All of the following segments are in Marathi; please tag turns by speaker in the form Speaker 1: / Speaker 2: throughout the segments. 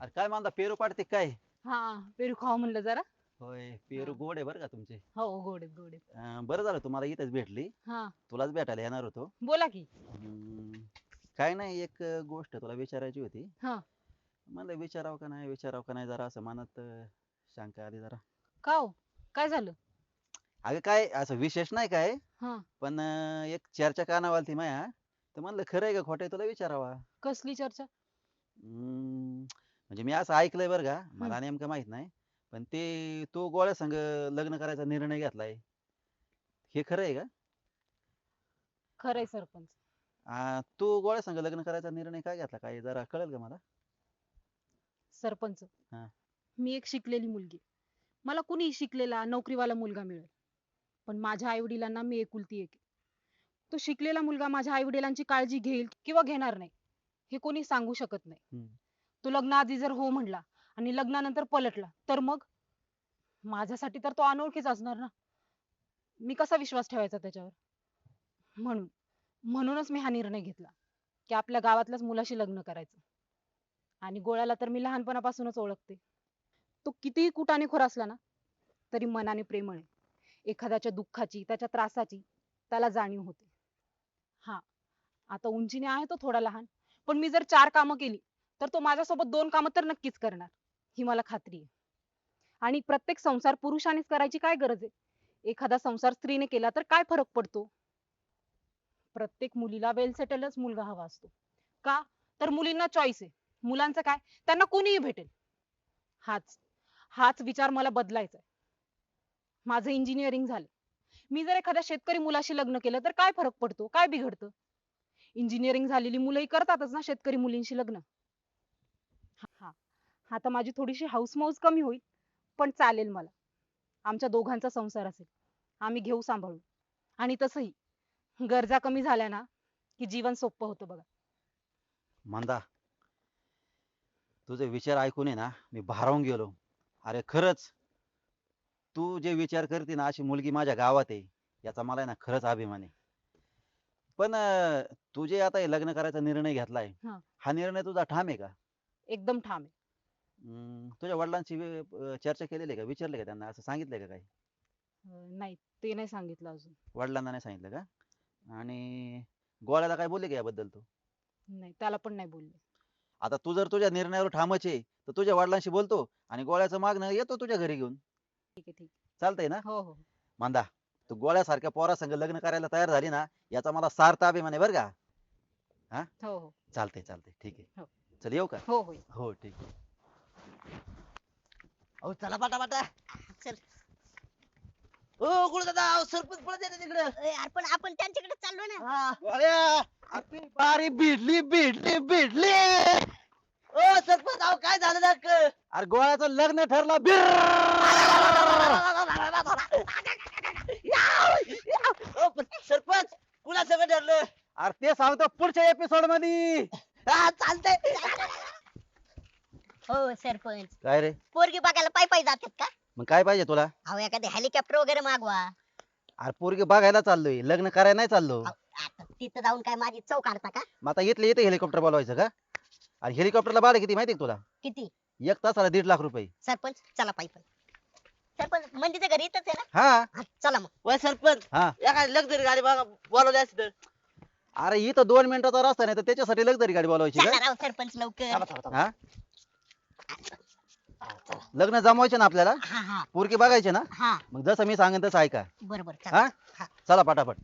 Speaker 1: अरे काय म्हणता पेरू पाडते काय?
Speaker 2: हा पेरू खावा म्हणलं जरा.
Speaker 1: होय पेरू
Speaker 2: हा.
Speaker 1: गोड आहे बरं का तुमचे.
Speaker 2: हो गोड आहेत गोड आहेत.
Speaker 1: बरं झालं तुम्हाला इथेच भेटली.
Speaker 2: हा
Speaker 1: तुलाच भेटायला येणार होतो.
Speaker 2: बोला की.
Speaker 1: हम्म, काय नाही एक गोष्ट तुला विचारायची होती.
Speaker 2: हा
Speaker 1: म्हणलं विचारावं का नाही जरा असं मनात शंका आली जरा.
Speaker 2: का हो काय झालं?
Speaker 1: अगं काय असं विशेष नाही काय,
Speaker 2: हा
Speaker 1: पण एक चर्चा कानावर आलती माया, तर म्हणलं खरं आहे का खोटं आहे तुला विचारावा.
Speaker 2: कसली चर्चा?
Speaker 1: म्हणजे मी असं ऐकलंय बरं का,
Speaker 2: हम्म,
Speaker 1: मला नेमकं माहित नाही. पण ते तू गोळ्या संग लग्न करायचा निर्णय घेतलाय, हे खरं आहे का?
Speaker 2: खरंय सरपंच.
Speaker 1: तू गोळ्या संग लग्न करायचा निर्णय काय घेतला काय जरा कळेल का मला?
Speaker 2: सरपंच
Speaker 1: हा.
Speaker 2: मी एक शिकलेली मुलगी. मला कुणी शिकलेला नोकरीवाला मुलगा मिळेल, पण माझ्या आई वडिलांना मी एकुलती एक आहे. तो शिकलेला मुलगा माझ्या आई वडिलांची काळजी घेईल किंवा घेणार नाही हे कोणी सांगू शकत नाही.
Speaker 1: हम्म.
Speaker 2: तो लग्नाआधी जर हो म्हणला आणि लग्नानंतर पलटला तर मग माझ्यासाठी तर तो अनोळखीच असणार ना. मी कसा विश्वास ठेवायचा त्याच्यावर? म्हणून म्हणूनच मी हा निर्णय घेतला की आपल्या गावातल्याच मुलाशी लग्न करायचं. आणि गोळ्याला तर मी लहानपणापासूनच ओळखते. तो कितीही कुटाणेखोर असला ना तरी मनाने प्रेमळ आहे. एखाद्याच्या दुःखाची त्याच्या त्रासाची त्याला जाणीव होते. हा आता उंचीने आहे तो थोडा लहान, पण मी जर 4 कामं केली तर तो माझ्यासोबत 2 कामं तर नक्कीच करणार, ही मला खात्री आहे. आणि प्रत्येक संसार पुरुषानेच करायची काय गरज आहे? एखादा संसार स्त्रीने केला तर काय फरक पडतो? प्रत्येक मुलीला वेल सेटलच मुलगा हवा असतो. का? तर मुलींना चॉईस आहे. मुलांचं काय? त्यांना कोणीही भेटेल. हाच हाच विचार मला बदलायचा आहे. माझं इंजिनिअरिंग झालं. मी जर एखाद्या शेतकरी मुलाशी लग्न केलं तर काय फरक पडतो? काय बिघडतं? इंजिनिअरिंग झालेली मुलंही करतातच ना शेतकरी मुलींशी लग्न. हा आता माझी थोडीशी हौसमौज कमी होईल, पण चालेल मला. आमच्या दोघांचा संसार असेल, आम्ही घेऊ सांभाळून. आणि तसंही गरजा कमी झाल्या ना की जीवन सोपं होतं बघा.
Speaker 1: मंदा, तुझे विचार ऐकून आहे ना मी भारावून गेलो. अरे खरंच, तू जे विचार करते ना अशी मुलगी माझ्या गावात आहे, याचा मला आहे ना खरंच अभिमान आहे. पण तू जे आता हे लग्न करायचा निर्णय घेतलाय,
Speaker 2: हा
Speaker 1: हा निर्णय तुझा ठाम आहे का?
Speaker 2: एकदम ठाम आहे.
Speaker 1: तुझ्या वडिलांशी चर्चा केलेली आहे का? विचारले का त्यांना? असं सांगितलंय का काही?
Speaker 2: नाही ते नाही सांगितलं अजून.
Speaker 1: वडिलांना नाही सांगितलं का? आणि गोळ्याला काय बोलले का याबद्दल तू?
Speaker 2: नाही त्याला पण नाही बोलले.
Speaker 1: आता तू जर तुझ्या निर्णयावर ठामच आहे, तर तुझ्या वडिलांशी बोलतो आणि गोळ्याचं मागणं येतो तुझ्या घरी घेऊन.
Speaker 2: ठीक आहे ठीक
Speaker 1: चालतंय ना?
Speaker 2: आहे. हो हो
Speaker 1: मांदा, तू गोळ्यासारख्या पोरासंग लग्न करायला तयार झाली ना, याचा मला सार्थ अभिमान आहे बरं का. हा,
Speaker 2: हो हो
Speaker 1: चालतंय ठीक आहे.
Speaker 2: हो
Speaker 1: चल येऊ का?
Speaker 2: हो हो
Speaker 1: हो ठीक आहे.
Speaker 3: अहो चला पाटा चल. ओ गुळ दादा अहो, सरपंच पळत येते तिकडे.
Speaker 4: यार पण आपण त्यांच्याकडे चाललो ना.
Speaker 3: आपली बारी भिडली ओ सरपंच अहो काय झालं ना
Speaker 1: अरे गोळ्याचं लग्न ठरलं.
Speaker 3: सरपंच कुणा सगळं ठरलं?
Speaker 1: अरे ते सांगतो पुढच्या एपिसोड मध्ये.
Speaker 3: हा चालतंय.
Speaker 4: हो सरपंच,
Speaker 1: काय रे?
Speaker 4: पोरगी बघायला पायी पायी जातात का?
Speaker 1: मग काय पाहिजे तुला?
Speaker 4: अहो एखादे हेलिकॉप्टर वगैरे मागवा.
Speaker 1: अरे पोरगी बघायला चाललोय, लग्न करायला नाही चाललो.
Speaker 4: अहो, आता तिथं जाऊन काय माझी चव काढता का?
Speaker 1: मग आता इथले इथे हेलिकॉप्टर बोलवायचं का? आणि हेलिकॉप्टरला भाडं किती माहिती तुला?
Speaker 4: किती?
Speaker 1: एक तासाला 1.5 लाख रुपये.
Speaker 4: सरपंच चला पायी पायी. सरपंच मंदीचं घर इथंच आहे ना?
Speaker 1: हा
Speaker 4: हा, चला मग.
Speaker 3: वय सरपंच
Speaker 1: हा.
Speaker 3: एखादी लक्झरी गाडी बघा बोलवली असती तर.
Speaker 1: अरे इथं 2 मिनिटाचा रस्ता नाही तर त्याच्यासाठी लक्झरी गाडी बोलवायची
Speaker 4: चला
Speaker 1: का?
Speaker 4: राव सरपंच लवकर.
Speaker 1: हा, लग्न जमवायचे ना आपल्याला,
Speaker 4: हा हा
Speaker 1: पोरगी बघायची ना.
Speaker 4: हा
Speaker 1: मग जसं मी सांगेन तसं ऐका.
Speaker 4: बरोबर
Speaker 1: हा,
Speaker 4: चला.
Speaker 1: चला पटापट.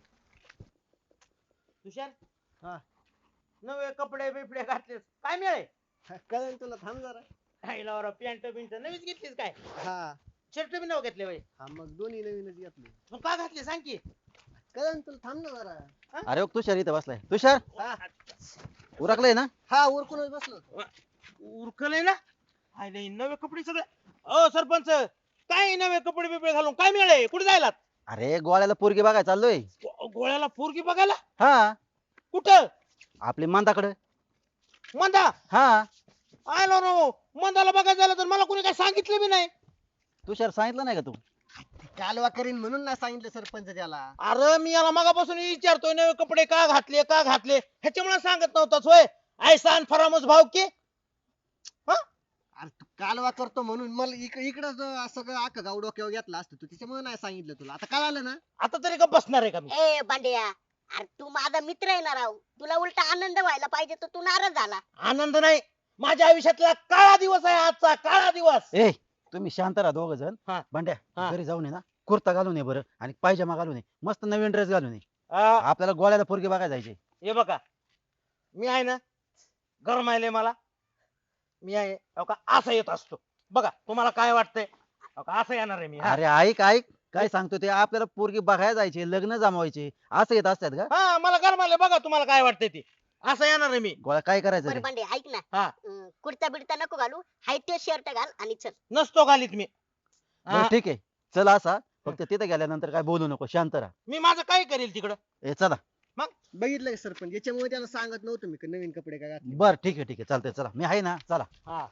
Speaker 3: तुषार हा नवे कपडे बिपडे घातलेस काय मिळे?
Speaker 5: कळेल तुला थांब जरा.
Speaker 3: खायला पॅन्ट बिंट नवीच घेतलीस काय?
Speaker 5: हा
Speaker 3: शर्ट बी नव घेतले वय
Speaker 5: हा मग दोन्ही नवीनच घेतले.
Speaker 3: मग का घातले सांग की.
Speaker 5: कळेल तुला थांब ना जरा.
Speaker 1: अरे ओ, तुषार इथं बसलाय. तुषार
Speaker 5: हा
Speaker 1: उरकलंय ना?
Speaker 5: हा उरकूनच बसलो होतो.
Speaker 3: उरकलंय ना? हाय नाही नवे कपडे सगळे. ओ सरपंच काय नवे कपडे बिपडे घालून काय मिळे? कुठे जायला?
Speaker 1: अरे गोळ्याला पोरगी बघायला चाललोय.
Speaker 3: गोळ्याला पोरगी बघायला?
Speaker 1: हा,
Speaker 3: कुठं?
Speaker 1: आपली मंदाकडे.
Speaker 3: मंदा
Speaker 1: हा,
Speaker 3: आलो नो मंदाला बघायला झालं तर मला कोणी काय सांगितलं बी नाही.
Speaker 1: तुषार सांगितलं नाही का तू?
Speaker 5: कालवा करीन म्हणून ना सांगितलं सरपंच त्याला.
Speaker 3: अरे मी याला मगापासून विचारतोय नवे कपडे का घातले ह्याच्यामुळे सांगत नव्हताच होय. ऐसा फरामोस भाव की
Speaker 5: अरे तू कालवा करतो म्हणून मला इकडं सगळं अख्खं गाव डोक्यावर घेतला असतं तू त्याच्यामुळे नाही सांगितलं तुला आता कळालं ना.
Speaker 3: आता तरी का बसणार आहे का मी
Speaker 4: ए बांड्या, अरे तू माझा मित्र आहे ना राव, तुला उलटा आनंद व्हायला पाहिजे तर तू नाराज झाला.
Speaker 3: आनंद नाही, माझ्या आयुष्यातला काळा दिवस आहे आजचा, काळा दिवस.
Speaker 1: ए तुम्ही शांत राहा दोघ जण.
Speaker 3: हा.
Speaker 1: भांड्या
Speaker 3: हा.
Speaker 1: घरी जाऊन ये ना, कुर्ता घालून ये बरं आणि पायजमा घालून ये, मस्त नवीन ड्रेस घालून ये.
Speaker 3: आ,
Speaker 1: आपल्याला गोळ्याला पोरगी बघायला जायचे.
Speaker 3: हे बघा, मी आहे ना, गरम आहे लय मला. मी आहे हो का असं येत असतो बघा, तुम्हाला काय वाटतंय हो का, असं येणार आहे मी. हा.
Speaker 1: अरे ऐक ऐक काय सांगतो ते, आपल्याला पोरगी बघायला जायचे, लग्न जमवायचे, असं येत असतात का?
Speaker 3: हा मला गरम आले बघा, तुम्हाला काय वाटतंय ते, असं येणार आहे मी.
Speaker 1: गोळ्या काय करायचं
Speaker 4: बरं
Speaker 1: रे?
Speaker 4: बांडे ऐक ना,
Speaker 3: हा.
Speaker 4: कुर्ता बिडता नको घालू, हाय ते शर्ट घाल आणि चल.
Speaker 3: नसतो घालीत मी.
Speaker 1: बरं
Speaker 3: हा,
Speaker 1: ठीक आहे, चला असा, फक्त तिथे गेल्यानंतर काय बोलू नको, शांत राहा.
Speaker 3: मी माझं काय करेल तिकडं.
Speaker 1: ए चला.
Speaker 5: बघितलं का सरपंच, याच्यामुळे त्याला सांगत नव्हतं मी का नवीन कपडे काय घातले.
Speaker 1: बर ठीक आहे चालतंय, चला मी आहे ना, चला.
Speaker 3: हा.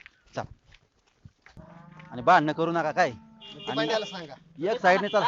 Speaker 1: आणि भांडणं करू नका काय,
Speaker 5: ते बांड्याला सांगा.
Speaker 1: एक साईडने चला.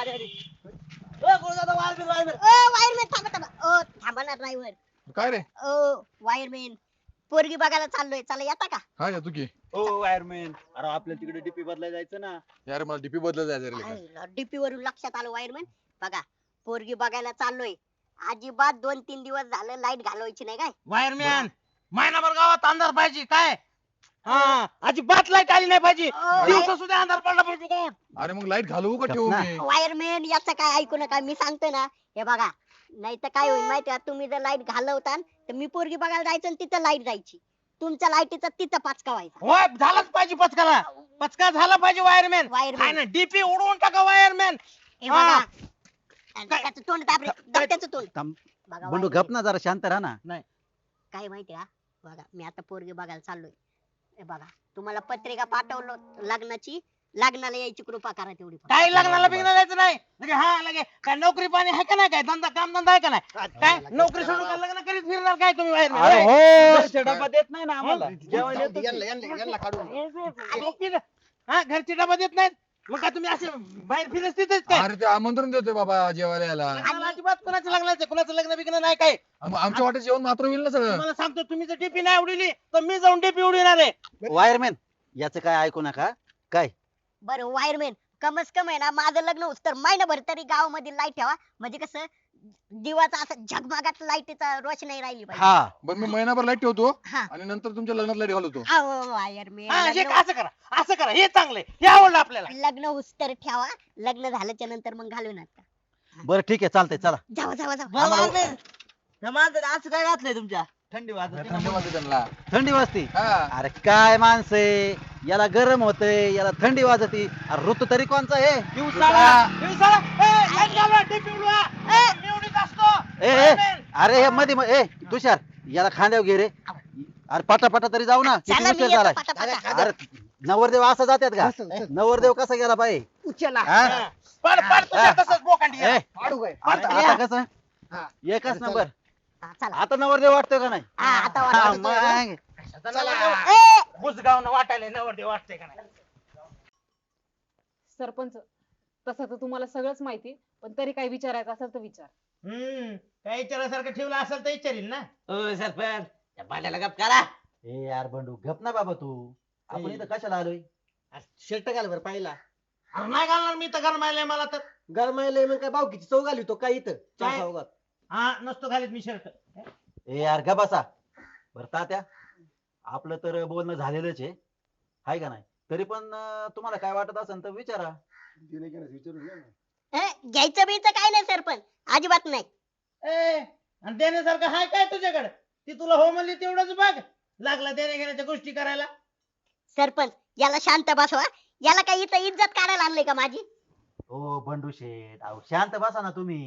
Speaker 4: वायरमॅन थांबा थांबा, थांबा ना ड्रायव्हर.
Speaker 6: काय रे?
Speaker 4: वायरमॅन, पोरगी बघायला चाललोय, चला येता का?
Speaker 6: हा येतो की.
Speaker 7: हो वायरमॅन, अरे आपल्याला तिकडे डीपी बदलायला जायचं ना.
Speaker 6: यार मला डीपी बदलत जायचं रे लेका.
Speaker 4: डीपी वरून लक्षात आलं वायरमॅन. बघा, पोरगी बघायला चाललोय, अजिबात 2-3 दिवस झालं लाईट घालवायची नाही काय.
Speaker 3: वायरमॅन, महिनाभर गावात अंधार पाहिजे काय. हा, अजिबात लाईट आली नाही पाहिजे, दिवसा सुद्धा अंधार पडला पाहिजे कोण.
Speaker 6: अरे मग लाईट घालवू का ठेवू
Speaker 1: ना.
Speaker 6: मी?
Speaker 4: वायरमॅन याचं काय ऐकू नका, मी सांगतोय ना. हे बघा, नाही तर काय होईल माहिती आहे, तुम्ही जर लाईट घालवता तर मी पोरगी बघायला जायचं आणि तिथं लाईट जायची, तुमच्या लाईटीचा तिथं पाचका व्हायचा.
Speaker 3: होय झालाच पाहिजे पचकाला, पचका झाला पाहिजे वायरमॅन.
Speaker 4: वायरमॅन.
Speaker 3: आहे ना, डीपी उडवून टाका वायरमॅन.
Speaker 4: हे बघा, आणि त्याचं तोंड दाब रे, दाब त्याचं तोंड.
Speaker 1: थांब.
Speaker 4: बघा
Speaker 1: बंडू
Speaker 4: वायरमॅन,
Speaker 1: गप ना, जरा शांत राहा ना.
Speaker 4: काय माहिती का, बघा मी आता पोरगी बघायला चाललोय. हे बघा, तुम्हाला पत्रिका पाठवलं लग्नाची, लग्नाला यायची कृपा करा तेवढी फक्त.
Speaker 3: काही लग्नाला बिग्नाला जायचं नाही. लगे हा लगे काय नोकरी पाणी आहे का नाही, काय धंदा काम धंदा आहे का नाही, काय नोकरी सोडून काय लग्न करीत फिरणार काय तुम्ही
Speaker 1: अरे
Speaker 3: वायरमॅन.
Speaker 1: हो.
Speaker 7: घरचे डबा देत नाही ना आम्हाला जेवायला
Speaker 5: जाऊ दे,
Speaker 7: येतो.
Speaker 5: यांना काढून.
Speaker 3: हा, घरची डबा देत नाहीत, मग काय तुम्ही असे बाहेर फिरत तिथेच काय.
Speaker 6: अरे ते आमंत्रण देतोय बाबा जेवायला यायला.
Speaker 3: लग्नाला अजिबात कोणाचं लग्नाचं कुणाचं लग्न बिग्न नाही काय.
Speaker 6: आमच्या वाटेत जेवण मात्र होईल ना सगळं.
Speaker 3: तुम्हाला सांगतो, तुम्ही जर डीपी नाही उडवली तर मी जाऊन डीपी उडविणार आहे.
Speaker 1: वायरमॅन याचं काय ऐकू नका काय.
Speaker 4: बरं वायरमॅन, कमस कम आहे ना, माझं लग्न होत तर महिनाभर तरी गावामध्ये लाईट ठेवा, म्हणजे कसं दिवाचा असं झगमगाट लाईटीचा रोषणाई राहिली पाहिजे.
Speaker 1: हा
Speaker 6: बरं मी महिनाभर लाईट ठेवतो
Speaker 4: हा.
Speaker 6: आणि नंतर तुमच्या लग्नात लाईट घालवतो.
Speaker 4: अहो,
Speaker 3: हा, हे
Speaker 4: वायरमॅन,
Speaker 3: असं करा, असं करा, हे चांगलंय, हे आवडलं आपल्याला.
Speaker 4: लग्न होत तर ठेवा, लग्न झाल्याच्या नंतर मग घालू नका.
Speaker 1: बरं ठीक आहे चालतंय, चला.
Speaker 4: जावा जावा जावा.
Speaker 3: असं काय घातलंय तुमच्या, थंडी वाजत
Speaker 6: थंडी वाजते त्यांना.
Speaker 1: थंडी वाजती.
Speaker 6: हा.
Speaker 1: अरे काय माणसे, याला गरम होतंय, याला थंडी वाजती. अरे ऋतू तरी कोणचा आहे? अरे हे मध्ये ए तुषार, याला खांद्यावर घे रे. अरे पटापटा तरी जाऊ ना, किती
Speaker 4: चला मी
Speaker 1: उशीर
Speaker 4: येतो
Speaker 1: झालाय.
Speaker 4: पटापटा.
Speaker 1: अरे नवरदेव असं जातात का?
Speaker 5: चल, चल.
Speaker 1: नवरदेव कसा गेला पाहिजे?
Speaker 5: उचला.
Speaker 1: हा?
Speaker 3: तसंच बोकांडी
Speaker 1: ए,
Speaker 5: काढू काय?
Speaker 1: आता कसं
Speaker 5: हा.
Speaker 1: एकच
Speaker 5: चला.
Speaker 1: नंबर.
Speaker 4: हा, चला.
Speaker 1: आता नवरदेव वाटतोय का नाही?
Speaker 4: हा, आता
Speaker 1: हा,
Speaker 4: वाटतं.
Speaker 1: मग.
Speaker 4: ए,
Speaker 3: बुजगाव वाटायला नवरदेव वाटतंय का नाही.
Speaker 2: सरपंच, तसं तर तुम्हाला सगळंच माहिती, पण तरी काही विचारायचं असेल तर विचार.
Speaker 3: काय विचारासारखं ठेवलं असेल तर विचारील ना.
Speaker 7: सरपंच त्या भांड्याला गप करा.
Speaker 1: ए यार बंडू गप ना बाबा तू. आपण इथं कशाला आलोय?
Speaker 5: शर्ट घाल बरं पाहिला.
Speaker 3: अरे नाही घालणार मी तर गरमायलंय मला तर.
Speaker 5: गरमायला मग काय बावकीची चव घाली तो काय इथं
Speaker 3: काय?
Speaker 5: चौकात.
Speaker 3: हा, नसतो घालीत मी शर्ट.
Speaker 1: ए यार ग बसा. बरं तात्या, आपलं तर बोलणं झालेलंच आहे, हाय का नाही? तरी पण तुम्हाला काय वाटत असेल तर विचारा.
Speaker 4: घ्यायचं बियचं काय नाही सरपंच, अजिबात नाही.
Speaker 3: आणि देण्यासारखं हाय काय तुझ्याकडे? ती तुला हो म्हणली तेवढंच बघ, लागला देण्या घेण्याच्या गोष्टी करायला.
Speaker 4: सरपंच याला शांत बसवा, याला काही इथं इज्जत काढायला आणले का माझी?
Speaker 1: ओ बंडू शेठ, अहो शांत बसा ना तुम्ही.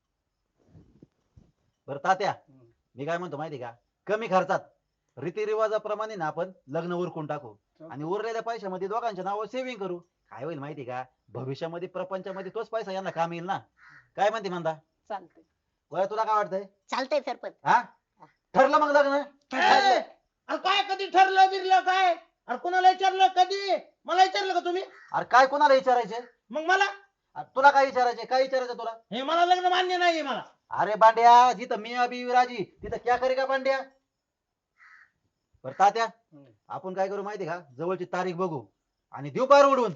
Speaker 1: बरं तात्या, मी काय म्हणतो माहिती का, कमी खर्चात रीतिरिवाजाप्रमाणे ना आपण लग्न उरकून टाकू आणि उरलेल्या पैशामध्ये दोघांच्या नावावर सेव्हिंग करू. काय होईल माहिती का, भविष्यामध्ये प्रपंचामध्ये तोच पैसा यांना काम येईल ना. काय म्हणते म्हणता?
Speaker 2: चालतंय.
Speaker 1: बरं तुला काय वाटतंय?
Speaker 4: चालतंय सरपंच.
Speaker 1: हा, ठरलं मग लग्न?
Speaker 3: अरे काय कधी ठरलं बिरलं काय? अरे कुणाला विचारलं कधी? मला विचारलं का तुम्ही?
Speaker 1: अरे काय कोणाला विचारायचे?
Speaker 3: मग मला
Speaker 1: तुला काय विचारायचे? काय विचारायचं तुला?
Speaker 3: हे मला लग्न मान्य नाहीये मला.
Speaker 1: अरे बांड्या, जिथं मी अभी राजी तिथं क्या करेगा बांड्या. बरं तात्या आपण काय करू माहिती का जवळची तारीख बघू आणि देऊ पार उडून.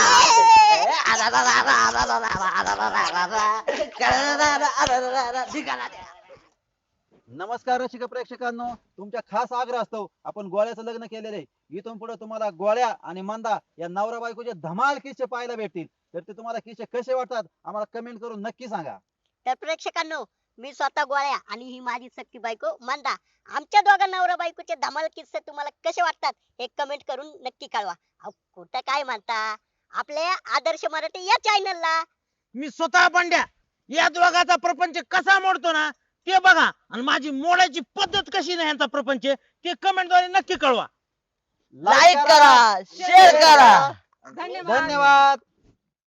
Speaker 1: नमस्कार रसिक प्रेक्षकांनो, तुमच्या खास आग्रह असतो आपण गोळ्याचं लग्न केलेलं आहे. इथून पुढे तुम्हाला गोळ्या आणि मंदा या नवरा बायकोचे धमाल किस्से पाहायला भेटतील. तर ते तुम्हाला किस्से कसे वाटतात आम्हाला कमेंट करून नक्की सांगा.
Speaker 4: तर प्रेक्षकांनो, मी स्वतः गोळ्या आणि ही माझी सख्खी बायको मंदा, आमच्या दोघा नवरा बायकोचे धमाल किस्से तुम्हाला कसे वाटतात हे कमेंट करून नक्की कळवा. अहो, कुठं काय म्हणता, आपल्या आदर्श मराठी या चॅनलला.
Speaker 3: मी स्वतः बंड्या या दोघाचा प्रपंच कसा मोडतो ना ते बघा, आणि माझी मोडायची पद्धत कशी नाही यांचा प्रपंच ते कमेंट द्वारे नक्की कळवा.
Speaker 1: लाईक करा, शेअर करा.
Speaker 2: धन्यवाद.
Speaker 1: धन्यवाद.